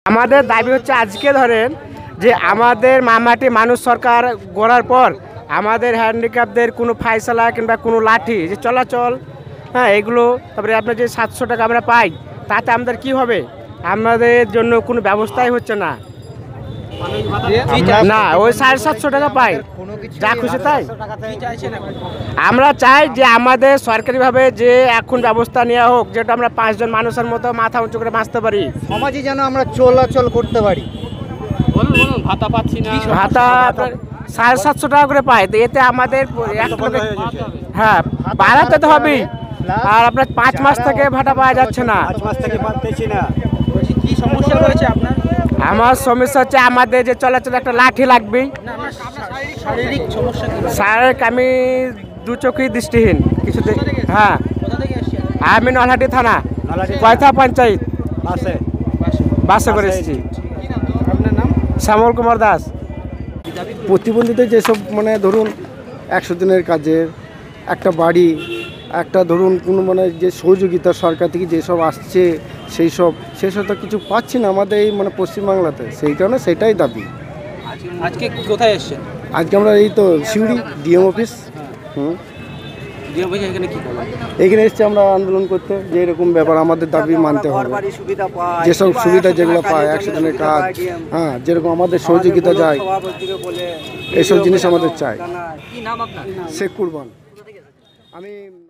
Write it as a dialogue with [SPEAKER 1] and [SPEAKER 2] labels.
[SPEAKER 1] আমাদের দাবি হচ্ছে আজকে ধরেন যে আমাদের মামাটি মানুষ সরকার গড়ার পর আমাদের হ্যান্ডিক্যাপদের কোনো ফাইসলা কিংবা কোনো লাঠি যে চলাচল, হ্যাঁ এগুলো, তারপরে আপনার যে 700 টাকা আমরা পাই তাতে আমাদের কি হবে, আমাদের জন্য কোনো ব্যবস্থাই হচ্ছে না। না ওই 750 টাকা পাই, যা খুশি তাই। আমরা চাই যে আমাদের সরকারিভাবে যে এখন ব্যবস্থা নেওয়া হোক, যেটা আমরা 5 জন মানুষের মতো মাথা উঁচু করে বাঁচতে পারি,
[SPEAKER 2] সমাজে যেন আমরা চলাচল করতে পারি।
[SPEAKER 3] ভাতা পাচ্ছি না,
[SPEAKER 1] ভাতা 750 টাকা করে পাই, তো এতে আমাদের হ্যাঁ বাড়াতে তো হবেই। আর আপনার 5 মাস থেকে ভাতা পাওয়া যাচ্ছে না।
[SPEAKER 3] কি সমস্যা রয়েছে আপনার?
[SPEAKER 1] আমার সমস্যা হচ্ছে আমাদের যে চলাচল একটা লাঠি লাগবেই।
[SPEAKER 3] শারীরিক সমস্যা কি?
[SPEAKER 1] শারীরিক আমি 2 চোখেই দৃষ্টিহীন কিছুতে। হ্যাঁ
[SPEAKER 3] কোথা থেকে এসেছেন?
[SPEAKER 1] আমি নলহাটি থানা কয়থা পঞ্চায়েত বাসে করে এসেছি।
[SPEAKER 3] আপনার নাম?
[SPEAKER 1] শ্যামল কুমার দাস।
[SPEAKER 2] প্রতিবন্ধীদের যেসব মানে ধরুন 100 দিনের কাজের একটা বাড়ি, একটা ধরুন কোনো মানে যে সহযোগিতা সরকার থেকে যেসব আসছে সেসব তো কিছু পাচ্ছি না আমাদের এই মানে পশ্চিমবাংলাতে, সেই কারণে সেটাই দাবি।
[SPEAKER 3] আজকে কোথায় এসেছেন?
[SPEAKER 2] আজকে আমরা এই তো সিউড়ি ডিএম অফিস।
[SPEAKER 3] এখানে কি করবেন?
[SPEAKER 2] এখানে এসেছি আমরা আন্দোলন করতে, যে এরকম ব্যাপার আমাদের দাবি মানতে হবে। যেসব সুবিধা যেগুলো পায় 100 দিনের কাজ, হ্যাঁ যেরকম আমাদের সহযোগিতা যায়, এসব জিনিস আমাদের চাই।
[SPEAKER 3] কি নাম আপনার?
[SPEAKER 2] শেখ কুরবান। আমি